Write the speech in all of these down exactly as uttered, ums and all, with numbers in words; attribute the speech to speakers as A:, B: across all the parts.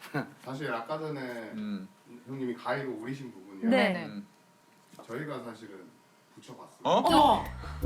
A: 사실 아까 전에
B: 음.
A: 형님이 가위로 오리신 부분이요.
C: 네.
B: 음.
A: 저희가 사실은 붙여봤어요.
B: 어?
C: 어머.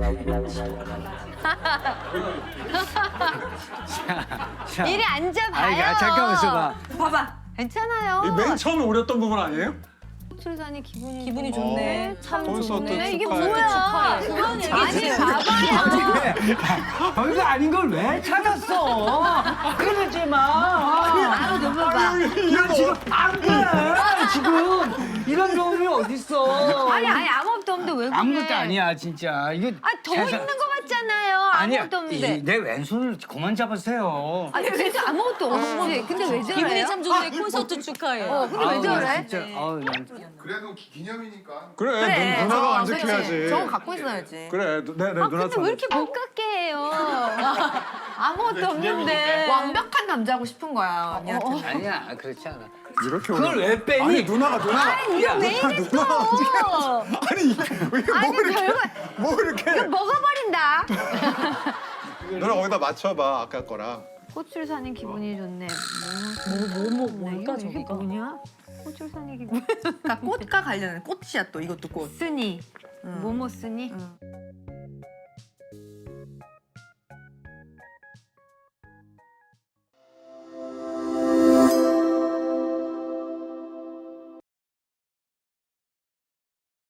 D: 이리 앉아봐요.
E: 아니, 야, 잠깐만 있어봐.
C: 봐봐.
D: 괜찮아요.
B: 이 맨 처음에 오렸던 부분 아니에요?
D: 출산이 기분이
C: 기분이 좋네. 참
B: 콘서트
C: 좋네.
D: 이게
B: 축하해.
D: 뭐야?
C: 그건 얘기
D: 아니 봐봐요.
E: 왜? 별거 아닌 걸 왜 찾았어? 그러지 마.
D: 아우 넘어봐.
E: 이런 지금 안 돼. 지금 이런 놈이 어딨어?
D: 아니 아니 아무것도 없는데 왜 그래?
E: 아무것도 아니야 진짜. 이거
D: 아더
E: 세상-
D: 있는 거 같잖아요.
E: 아니야.
D: 아무것도
E: 이-
D: 없는데.
E: 내 왼손을 그만 잡으세요.
D: 아니 진짜 아무것도 없지. 근데 왜 저래요?
C: 기분이 참 좋네. 콘서트 축하해.
D: 어 근데 왜
E: 아우,
D: 저래?
E: 진짜. 아우, 난
A: 그래도 기, 기념이니까.
B: 그래,
C: 그래.
B: 누, 누나가
C: 어,
B: 만족해야지.
C: 그치. 저거 갖고 있어야지.
B: 그래, 네, 네,
D: 아
B: 누나
D: 근데
B: 참.
D: 왜 이렇게 못 갖게 해요? 아무것도 없는데.
C: 완벽한 남자고 싶은 거야 언니한테.
E: 아니야 그렇지 않아.
B: 이렇게
E: 그걸
B: 오려.
E: 왜 빼니?
B: 아니, 누나가, 누나가.
D: 아니 이거 왜 이랬어?
B: 아니, 이게 뭐
D: 아니
B: 이렇게.
D: 별거
B: 뭐 이렇게.
D: 이거 먹어버린다.
B: 누나 거기다 맞춰봐, 아까 거랑.
D: 꽃을 사는 기분이 좋네.
C: 뭐뭐
D: 뭐
C: 뭘까
D: 이게
C: 저기가?
D: 뭐냐? 꽃을 사는 기분.
C: 그러니까 꽃과 관련된 꽃이야 또 이것도 꽃.
D: 쓰니
C: 응.
D: 뭐뭐 쓰니?
C: 응.